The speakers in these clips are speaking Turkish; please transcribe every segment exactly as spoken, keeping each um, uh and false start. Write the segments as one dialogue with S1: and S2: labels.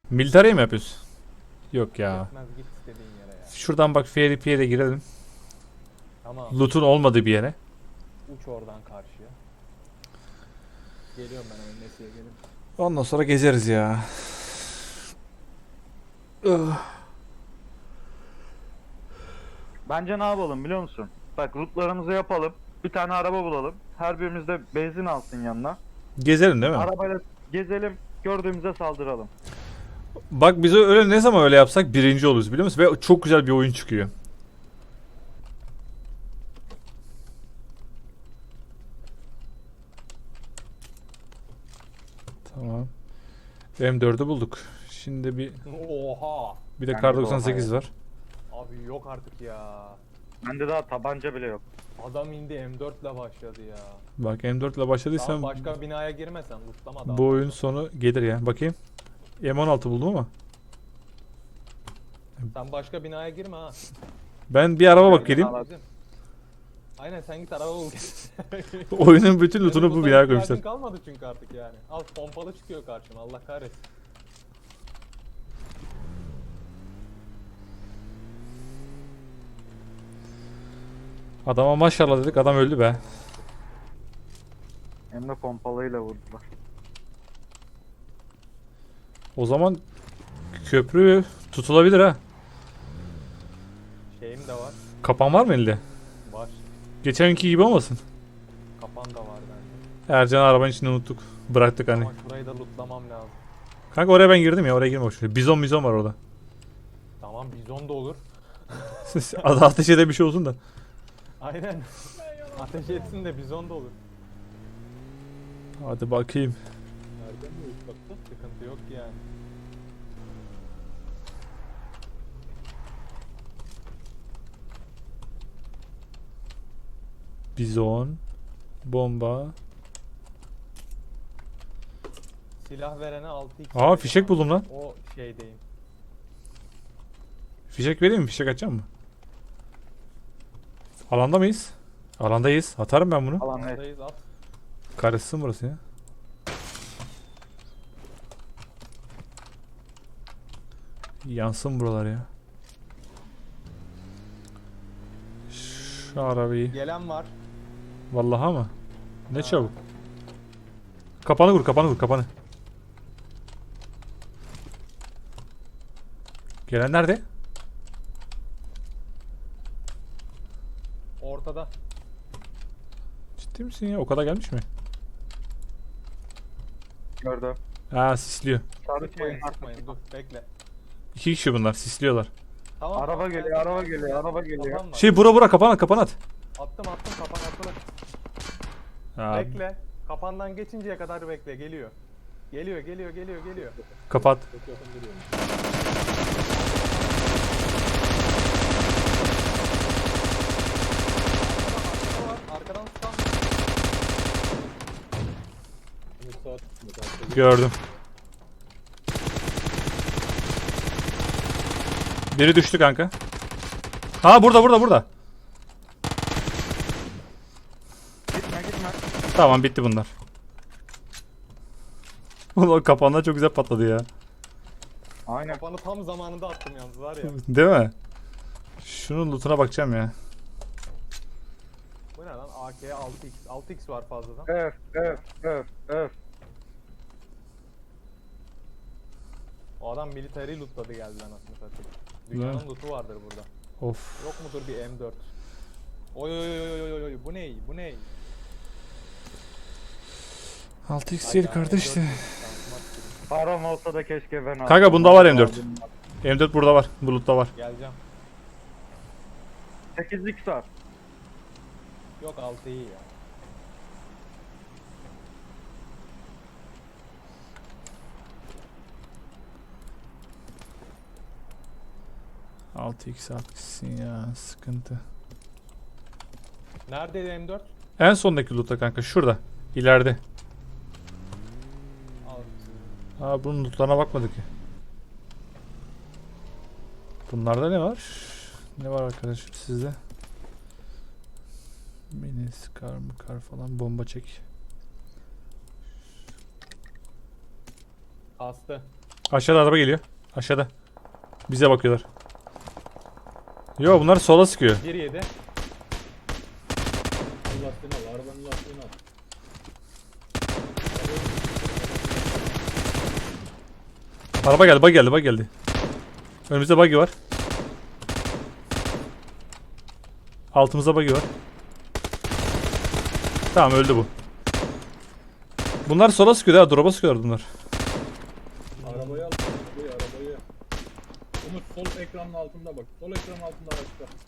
S1: Military mi yapıyorsun? Yok ya.
S2: Yetmez, git istediğin yere ya.
S1: Şuradan bak F R P'ye de girelim.
S2: Tamam.
S1: Loot'un olmadığı bir yere.
S2: Uç oradan karşıya. Geliyorum ben hemen Nesi'ye gelin.
S1: Ondan sonra gezeriz ya.
S3: Bence ne yapalım biliyor musun? Bak lootlarımızı yapalım. Bir tane araba bulalım. Her birimiz de benzin alsın yanına.
S1: Gezelim değil mi?
S3: Arabayla gezelim. Gördüğümüzde saldıralım.
S1: Bak biz öyle ne zaman öyle yapsak birinci oluruz biliyor musun? Ve çok güzel bir oyun çıkıyor. Tamam. M dördü bulduk. Şimdi bir
S2: Oha.
S1: bir de
S3: Yani
S1: Kar
S3: bu
S1: doksan sekiz
S3: olay.
S1: var.
S2: Abi yok artık ya.
S3: Bende daha tabanca bile yok.
S2: Adam indi M dört ile başladı ya.
S1: Bak M dört ile
S2: Tamam,
S1: başladıysan
S2: başka binaya girmesen lootlama da.
S1: bu oyun sonu gelir ya. Bakayım. M on altı buldum ama.
S2: Sen başka binaya girme ha.
S1: Ben bir araba bak geleyim.
S3: Al.
S2: Bizim. Aynen, sen git araba bul.
S1: Oyunun bütün lootunu
S2: Benim
S1: bu
S2: loot'a
S1: binaya
S2: ihtiyacın
S1: koymuşlar.
S2: kalmadı çünkü artık yani. Al, pompalı çıkıyor karşıma, Allah kahretsin.
S1: Adama maşallah dedik, adam öldü be.
S3: Hem de pompalıyla vurdular.
S1: O zaman köprü tutulabilir ha.
S2: Şeyim de var.
S1: Kapan var mı elde?
S2: Var.
S1: Geçenki gibi olmasın.
S2: Kapan da var bende.
S1: Ercan arabanın içinde unuttuk. Bıraktık hani.
S2: Ama şurayı da lootlamam lazım.
S1: Kanka oraya ben girdim ya, oraya girme boşver. Bizon bizon var orada.
S2: Tamam, bizon da olur.
S1: Adı ateş ede bir şey olsun da.
S2: Aynen. Ateş etsin de bizon da olur.
S1: Hadi bakayım.
S2: Nereden mi uçlattı? Sıkıntı yok yani.
S1: Bizon. Bomba.
S2: Silah verene altı x.
S1: Aa fişek buldum lan.
S2: O şeydeyim.
S1: Fişek vereyim mi? Fişek açacağım mı? Alanda mıyız? Alandayız. Atarım ben bunu.
S3: Alan evet.
S2: Oradayız, at.
S1: Karışsın burası ya. Yansın buralar ya. Şu arabayı.
S2: Gelen var.
S1: Vallahi mı? Ne
S2: Ha.
S1: çabuk. Kapanı vur, kapanı vur, kapanı. Gelen nerede?
S2: Ortada.
S1: Ciddi misin ya? O kadar gelmiş mi?
S3: Gördüm.
S1: Ha sisliyor.
S3: Sarı
S2: Sıkmayın,
S3: şeyin
S2: sıkmayın.
S3: arkasında.
S2: Dur, bekle.
S1: İki kişi bunlar, sisliyorlar.
S2: Tamam.
S3: Araba
S2: tamam,
S3: geliyor,
S2: gel,
S3: araba
S2: gel,
S3: geliyor,
S2: gel.
S3: araba geliyor.
S2: Kapan var.
S1: Şey bura bura kapan at, kapan at.
S2: Attım attım, kapan attılar.
S1: Ha,
S2: Bekle. Kapandan geçinceye kadar bekle. Geliyor. Geliyor, geliyor, geliyor, geliyor.
S1: kapat.
S2: Çok yakın duruyor. Arkadan, var. Arkadan tutan.
S1: Gördüm. Biri düştü kanka. Ha burada burada burada.
S3: Gitme gitme.
S1: Tamam bitti bunlar. Ulan kapanlar çok güzel patladı ya.
S3: Aynen.
S2: Kapanı tam zamanında attım yalnız, var ya.
S1: Değil mi? Şunun lootuna bakacağım ya.
S2: Bu ne lan? A K altı x. altı x var fazladan.
S3: Öf öf öf öf.
S2: O adam military lootladı geldi lan aslında satayım. Dünyanın
S1: Ne?
S2: lootu vardır burada.
S1: Of.
S2: Yok mudur bir M dört? Oy oy oy oy oy oy, bu ne? Bu ne?
S1: altı x değil kardeş de.
S3: Param olsa da keşke ben alsam.
S1: Kanka bunda var M dört. M dört burada var. Bu lootta var.
S2: Geleceğim.
S3: sekiz x var.
S2: Yok, altı iyi ya.
S1: altı x atmışsın ya. Sıkıntı.
S2: Neredeydi M dört?
S1: En sondaki lootta kanka. Şurada. İleride.
S2: Al.
S1: Aa bunun lootlarına bakmadık ya. Bunlarda ne var? Ne var arkadaşım sizde? Mini skar mı kar falan bomba çek.
S2: Astı.
S1: Aşağıda araba geliyor. Aşağıda. Bize bakıyorlar. Yo bunlar sola sıkıyor.
S2: bir yedi.
S4: Al lastiğini al. Arabanın lastiğini al.
S1: Araba geldi, bug geldi, bug geldi. Önümüzde buggy var. Altımızda buggy var. Tamam öldü bu. Bunlar sola sıkıyor ha, drop'a sıkıyorlar bunlar.
S4: Arabayı al. Arabayı arabayı. Umut sol ekranın altında bak. Sol ekranın altında araçta.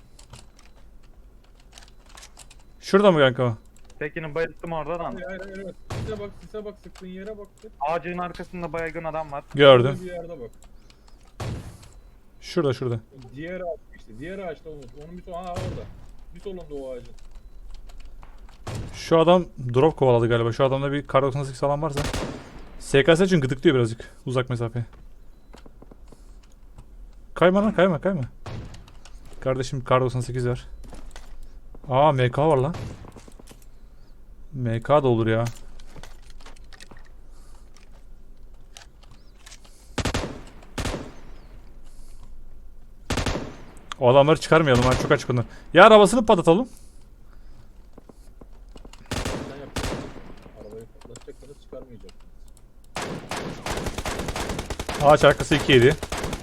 S1: Şurada mı kanka o?
S3: Tekini bayılttım oradan.
S4: Hayır hayır hayır. Evet. Sise bak sise bak sıktığın yere bak.
S3: Ağacın arkasında baygın adam var.
S1: Gördüm.
S4: Şurada bir yerde bak.
S1: Şurada şurada.
S4: Diğer ağaç işte. Diğer ağaçta Umut. Onun bir sol. Aha orada. Bir solunda o ağacın.
S1: Şu adam drop kovaladı galiba. Şu adamda bir kar doksan sekiz falan varsa. S K S için gıdıklıyor birazcık. Uzak mesafe. Kayma lan, kayma kayma. Kardeşim kar doksan sekiz var. Aa M K var lan. M K da olur ya. O adamları çıkarmayalım ha, çok açık onlar. Ya arabasını patlatalım.
S4: Sen yapacaksın. Arabayı patlatacaksanız çıkarmayacaksın.
S1: Ağaç arkası iki yedi.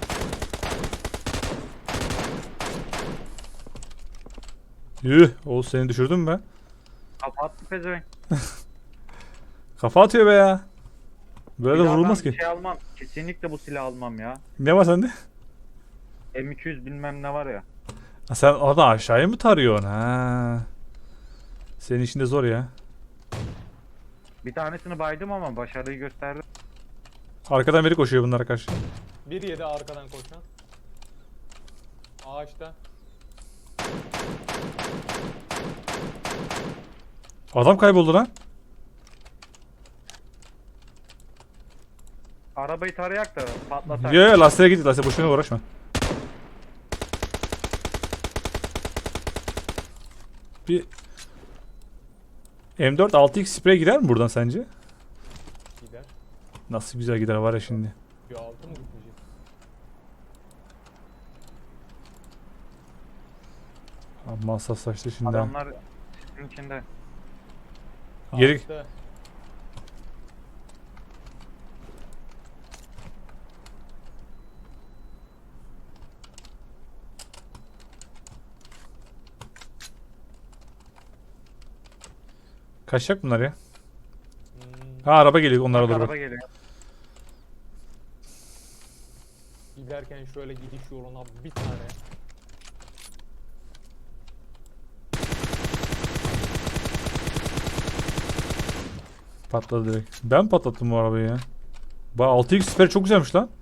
S1: Yuh, Oğuz seni düşürdün mü be?
S3: Kapattı pezevenk.
S1: Kafa atıyor be ya. Böyle de
S3: Bir daha
S1: vurulmaz
S3: ben
S1: ki.
S3: Şey almam. Kesinlikle bu silahı almam ya.
S1: Ne var sende?
S3: M iki yüz bilmem ne var ya.
S1: Ha, sen oradan aşağıya mı tarıyorsun? Ha. Senin işin de zor ya.
S3: Bir tanesini baydım ama başarıyı gösterdim.
S1: Arkadan biri koşuyor bunlara karşı.
S2: bir yedi arkadan koşan. Ağaçta.
S1: Adam kayboldu lan.
S3: Arabayı tarayak da patlatak.
S1: Yo yo lastiğe git, lastiğe boşuna uğraşma. Bir M dört altı X sprey gider mi buradan sence?
S2: Gider.
S1: Nasıl güzel gider var ya şimdi.
S2: Bir altı mı gitmeyecek?
S1: Amma hassaslaştı şimdi. ha.
S3: Adamlar sisin içinde.
S1: Geri-
S2: Ağaçta.
S1: Kaçacak bunlar ya.
S2: Hmm,
S1: Ha araba geliyor onlara doğru
S3: Araba
S1: bak.
S3: geliyor.
S2: giderken şöyle gidiş yoluna bir tane.
S1: Patladı direkt. Ben patlattım bu arabayı ya. Ba altı X sprey çok güzelmiş lan.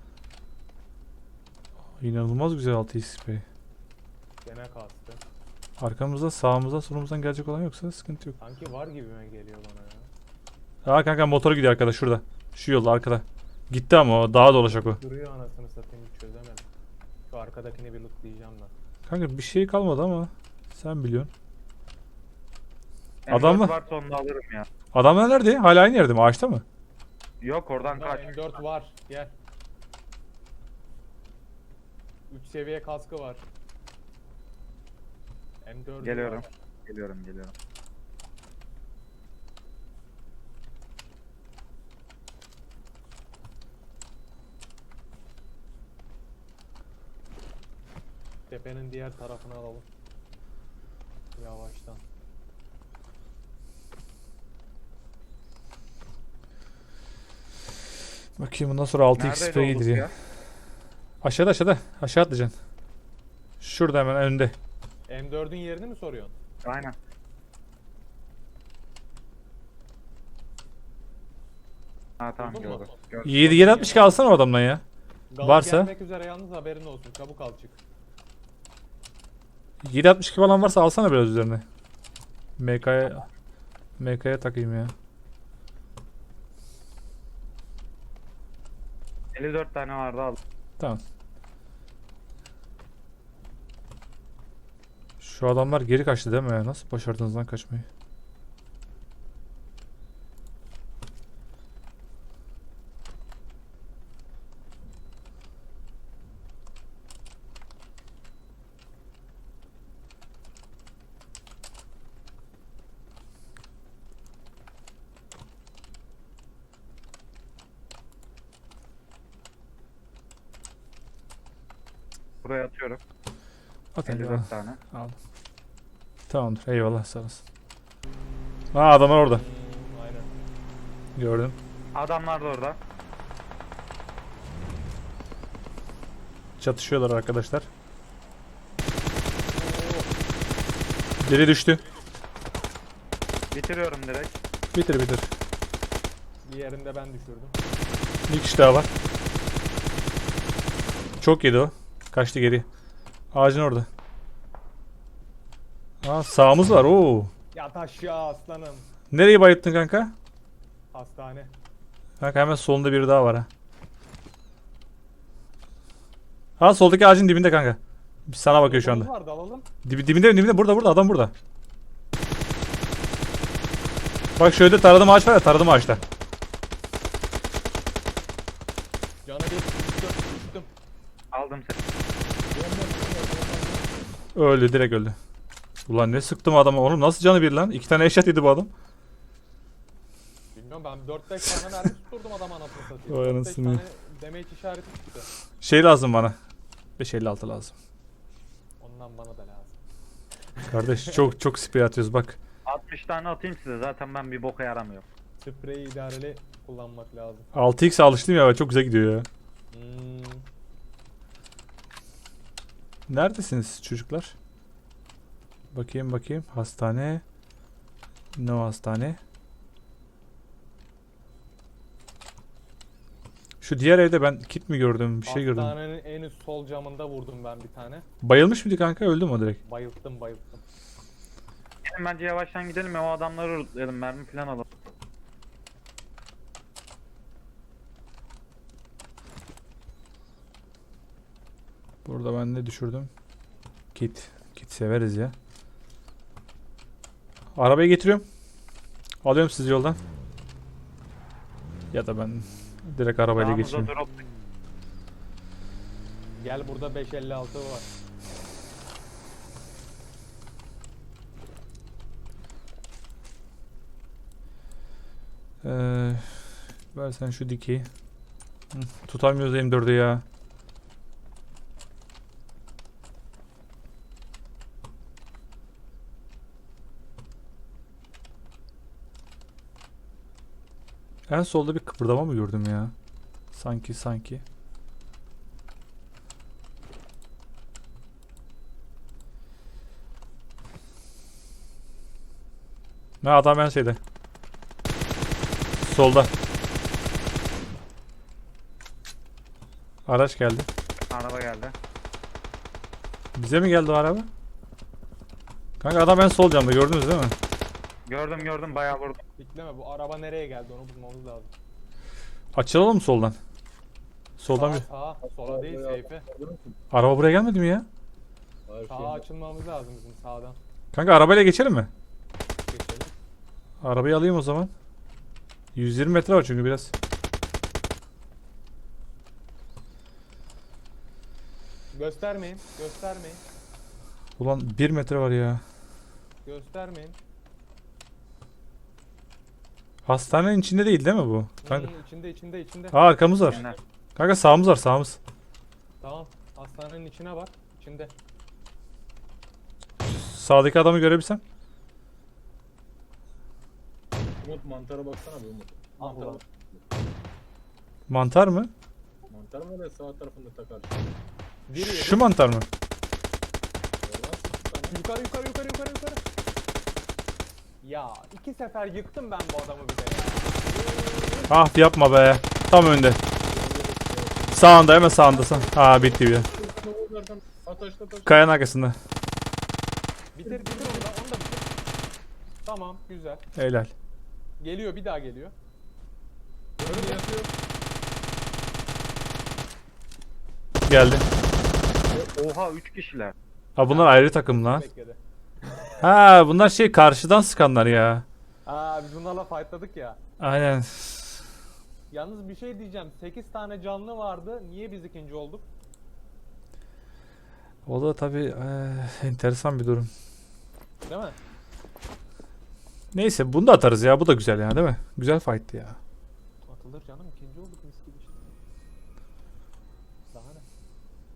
S1: İnanılmaz güzel altı X sprey.
S2: Gene kastı.
S1: Arkamızda, sağımızda, solumuzdan gelecek olan yoksa sıkıntı yok.
S2: Sanki var gibime geliyor bana ya.
S1: Aa kanka motor gidiyor arkada şurada. Şu yolda arkada. Gitti ama o daha dolaşacak o.
S2: Duruyor anasını satayım, hiç çözemedim. Şu arkadakini bir lootlayacağım da.
S1: Kanka bir şey kalmadı ama sen biliyorsun.
S3: M dört
S1: Adam mı?
S3: varsa onu da alırım ya.
S1: Adamlar nerede? Hala aynı yerde mi? Ağaçta mı?
S3: Yok oradan
S2: Bunda
S3: kaç.
S2: M dört var, gel. üç seviye kaskı var. M dört
S3: Geliyorum.
S2: var.
S3: Geliyorum geliyorum.
S2: Tepenin diğer tarafını alalım. Yavaştan.
S1: Bakayım bundan sonra altı X
S3: Neredeydi
S1: sprey
S3: o
S1: gelir
S3: loot
S1: ya. Aşağıda aşağıda. Aşağı atlayacaksın. Şurada hemen önde.
S2: M dördün yerini mi soruyorsun?
S3: Aynen. Ha tamam
S2: Buldun mu?
S3: gördüm. gördüm.
S1: yedi yedi altmış iki alsana o adamdan ya.
S2: Gaz
S1: Varsa?
S2: gelmek üzere, yalnız haberin olsun. Çabuk al çık.
S1: yedi altmış iki falan varsa alsana biraz üzerine. M K'ya M K'ya takayım ya.
S3: elli dört tane vardı al.
S1: Tamam. Şu adamlar geri kaçtı değil mi ya? Nasıl başardınız lan kaçmayı?
S3: Buraya atıyorum.
S1: At
S3: elli
S1: eyvallah.
S3: dört tane.
S1: Aldım. Tamamdır. Eyvallah sağ olasın. Aa adamlar orada.
S2: Hmm, aynen.
S1: Gördüm.
S3: Adamlar da orada.
S1: Çatışıyorlar arkadaşlar. Biri düştü.
S3: Bitiriyorum direkt.
S1: Bitir bitir.
S2: Bir yerinde ben düşürdüm.
S1: Bir kişi daha var. Çok yedi o. Kaçtı geri. Ağacın orada. Aa sağımız var. Oo.
S2: Yat aşağı aslanım.
S1: Nereyi bayılttın kanka?
S2: Hastane.
S1: Kanka hemen solunda biri daha var ha. Ha soldaki ağacın dibinde kanka. Sana bakıyor şu anda.
S2: Var dalalım.
S1: Dibi, dibinde dibinde burada burada adam burada. Bak şöyle taradım ağaç var ya taradım ağaçta.
S2: Canı bir düştüm. Düştüm.
S3: Aldım seni.
S1: Öldü direkt öldü. Ulan ne sıktım adama oğlum nasıl canı bir lan? İki tane eşyat yedi bu adam.
S2: Bilmiyorum ben dört beş tane mermi tutturdum adam anasını satayım.
S1: Vay
S2: dört beş
S1: anasını.
S2: tane damage işareti çıktı.
S1: Şey lazım bana. beş elli altı lazım.
S2: Ondan bana da lazım.
S1: Kardeş çok çok sprey atıyoruz bak.
S3: altmış tane atayım size. Zaten ben bir boka yaramıyorum.
S2: Spreyi idareli kullanmak lazım.
S1: altı x alıştım ya çok güzel gidiyor ya.
S2: Hmm.
S1: Neredesiniz çocuklar? Bakayım bakayım. Hastane. No hastane. Şu diğer evde ben kit mi gördüm? Bir şey gördüm.
S2: Hastanenin en üst sol camında vurdum ben bir tane.
S1: Bayılmış mıydı kanka? Öldü mü o direkt?
S2: Bayılttım bayılttım.
S3: Gelin bence yavaştan gidelim ya o adamları lootlayalım. Mermi falan alalım.
S1: Burada ben ne düşürdüm? Kit. Kit severiz ya. Arabayı getiriyorum. Alıyorum sizi yoldan. Ya da ben direkt arabayla
S3: Sağımıza
S1: geçeyim.
S3: drop.
S2: Gel burada beş elli altı var.
S1: Ee, versen şu dikeyi. Hı, tutamıyoruz M dördü ya. En solda bir kıpırdama mı gördüm ya? Sanki sanki. Ne adam en şeyde. Solda. Araç geldi.
S3: Araba geldi.
S1: Bize mi geldi o araba? Kanka adam en sol camda gördünüz değil mi?
S3: Gördüm gördüm bayağı vurdum.
S2: Bekleme bu araba nereye geldi onu bulmamız lazım.
S1: Açılalım mı soldan? Soldan
S2: Sağa
S1: bir...
S2: sağa sola değil seyfe.
S1: Araba buraya gelmedi mi ya?
S4: Hayır,
S2: Sağa
S4: şey-
S2: açılmamız lazım bizim sağdan.
S1: Kanka arabayla geçelim mi?
S2: Geçelim.
S1: Arabayı alayım o zaman. yüz yirmi metre var çünkü biraz.
S2: Göstermeyin göstermeyin.
S1: Ulan bir metre var ya.
S2: Göstermeyin.
S1: Hastanenin içinde değil değil mi bu? Kanka.
S2: Hmm, içinde içinde içinde.
S1: Aa arkamız var.
S3: Yener.
S1: Kanka sağımız var sağımız.
S2: Tamam. Hastanenin içine bak. İçinde.
S1: Sağdaki adamı görebilsem.
S4: Umut mantara baksana bir Umut.
S2: Mantara
S4: Mantara
S2: bak.
S1: Mantar mı?
S4: Mantar mı öyle sağ tarafında takar?
S2: Biri yedi.
S1: Şu mantar mı?
S4: Oradan sıktı tane.
S2: Yukarı yukarı yukarı yukarı yukarı. Ya iki sefer yıktım ben bu adamı bir de ya.
S1: Ah yapma be. Tam önde. Sağında hemen sağında. Sağ. Aa bitti bir.
S4: Oradan ataşla taş.
S1: Kayanın arkasında.
S2: Bitir bitir onu da onu da bitir. Tamam güzel.
S1: Helal.
S2: Geliyor bir daha geliyor.
S4: Önünde yatıyor.
S1: Geldi.
S3: Oha üç kişiler.
S1: Ha bunlar ayrı takım lan.
S2: Bekledi.
S1: Ha bunlar şey karşıdan sıkanlar ya.
S2: Aa biz bunlarla fightladık ya.
S1: Aynen.
S2: Yalnız bir şey diyeceğim. sekiz tane canlı vardı. Niye biz ikinci olduk?
S1: O da tabii eee, enteresan bir durum.
S2: Değil mi?
S1: Neyse bunu da atarız ya. Bu da güzel ya değil mi? Güzel fight'tı ya.
S2: Atılır canım ikinci olduk.